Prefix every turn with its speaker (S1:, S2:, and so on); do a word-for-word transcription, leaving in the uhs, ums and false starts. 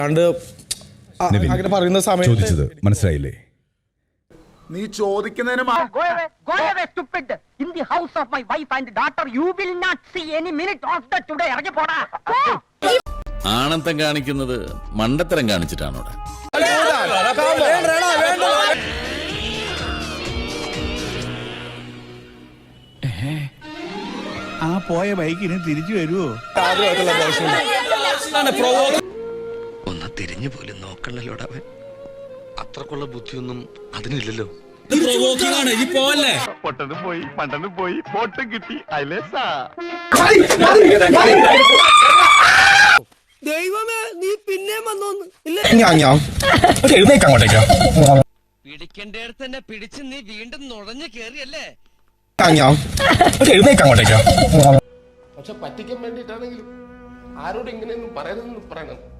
S1: അങ്ങനെ പറയുന്ന സമയത്ത്
S2: ചോദിച്ചത് മനസ്സിലായില്ലേ?
S3: നീ ചോദിക്കുന്നതിന്
S4: ആണത്തം കാണിക്കുന്നത് മണ്ടത്തരം കാണിച്ചിട്ടാണോ?
S5: ആ പോയ ബൈക്കിന് തിരിച്ചു വരുവോ?
S6: ഒന്ന് തിരിഞ്ഞു പോലും നോക്കണല്ലോടാ അവൻ. അത്രക്കുള്ള ബുദ്ധിയൊന്നും അതിനില്ലല്ലോ.
S3: പൊട്ടനും പോയി പണ്ടനും പോയി പൊട്ടും കിട്ടി അയലേസാ.
S7: ദൈവമേ, നീ പിന്നെ വന്നോന്ന് പിടിക്കേണ്ടടുത്ത് തന്നെ പിടിച്ച് നീ വീണ്ടും നുഴഞ്ഞു കേറിയല്ലേ?
S8: പക്ഷെ പറ്റിക്കാൻ വേണ്ടിയിട്ടാണെങ്കിലും ആരോട് ഇങ്ങനെയൊന്നും പറയരുതെന്ന് പറയണം.